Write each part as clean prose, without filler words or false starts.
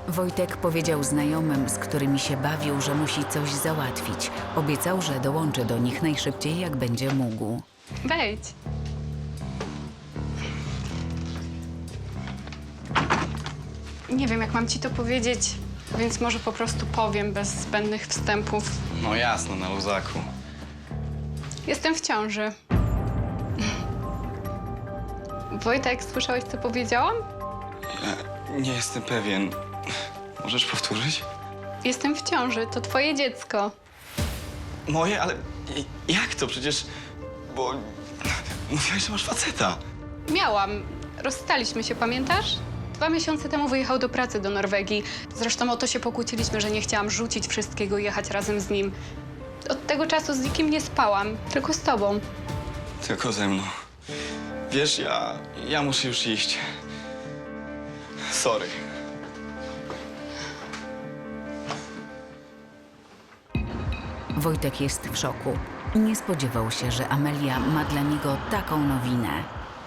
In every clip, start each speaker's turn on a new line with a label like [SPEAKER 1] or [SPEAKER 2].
[SPEAKER 1] Wojtek powiedział znajomym, z którymi się bawił, że musi coś załatwić. Obiecał, że dołączy do nich najszybciej, jak będzie mógł.
[SPEAKER 2] Wejdź. Nie wiem, jak mam ci to powiedzieć, więc może po prostu powiem bez zbędnych wstępów.
[SPEAKER 3] No jasno, na luzaku.
[SPEAKER 2] Jestem w ciąży. Wojtek, słyszałeś, co powiedziałam?
[SPEAKER 3] Ja nie jestem pewien. Możesz powtórzyć?
[SPEAKER 2] Jestem w ciąży, to twoje dziecko.
[SPEAKER 3] Moje? Ale jak to? Przecież... Bo... Mówiłaś, że masz faceta.
[SPEAKER 2] Miałam. Rozstaliśmy się, pamiętasz? 2 miesiące temu wyjechał do pracy do Norwegii. Zresztą o to się pokłóciliśmy, że nie chciałam rzucić wszystkiego i jechać razem z nim. Od tego czasu z nikim nie spałam, tylko z tobą.
[SPEAKER 3] Tylko ze mną. Wiesz, ja muszę już iść. Sorry.
[SPEAKER 1] Wojtek jest w szoku. Nie spodziewał się, że Amelia ma dla niego taką nowinę.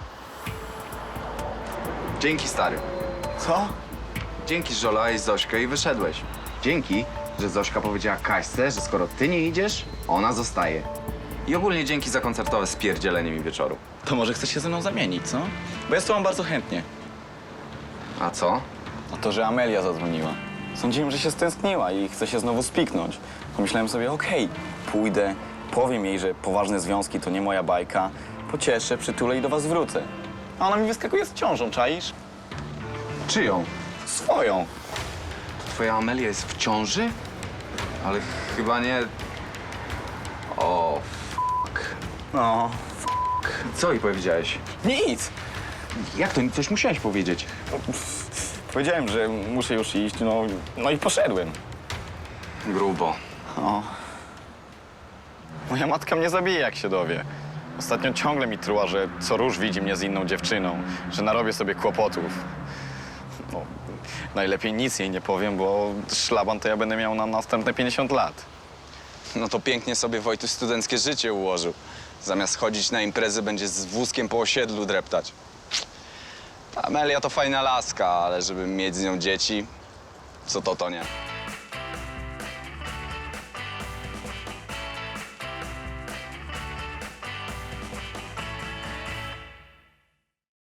[SPEAKER 4] Dzięki, stary.
[SPEAKER 3] Co?
[SPEAKER 4] Dzięki, że olałeś Zośkę i wyszedłeś. Dzięki, że Zośka powiedziała Kaśce, że skoro ty nie idziesz, ona zostaje. I ogólnie dzięki za koncertowe spierdzielenie mi wieczoru.
[SPEAKER 3] To może chcesz się ze mną zamienić, co? Bo ja z tobą bardzo chętnie.
[SPEAKER 4] A co?
[SPEAKER 3] A to, że Amelia zadzwoniła. Sądziłem, że się stęskniła i chce się znowu spiknąć. Pomyślałem sobie, okej, pójdę, powiem jej, że poważne związki to nie moja bajka, pocieszę, przytulę i do was wrócę. A ona mi wyskakuje z ciążą, czaisz?
[SPEAKER 4] Czyją?
[SPEAKER 3] Swoją.
[SPEAKER 4] Twoja Amelia jest w ciąży? Ale chyba nie... O,
[SPEAKER 3] No,
[SPEAKER 4] co jej powiedziałeś?
[SPEAKER 3] nic.
[SPEAKER 4] Jak to? Coś musiałeś powiedzieć.
[SPEAKER 3] Powiedziałem, że muszę już iść, no i poszedłem.
[SPEAKER 4] Grubo.
[SPEAKER 3] O. Moja matka mnie zabije, jak się dowie. Ostatnio ciągle mi truła, że co róż widzi mnie z inną dziewczyną, że narobię sobie kłopotów. No, najlepiej nic jej nie powiem, bo szlaban to ja będę miał na następne 50 lat.
[SPEAKER 5] No to pięknie sobie Wojtuś studenckie życie ułożył. Zamiast chodzić na imprezy, będzie z wózkiem po osiedlu dreptać. Amelia to fajna laska, ale żeby mieć z nią dzieci, co to nie.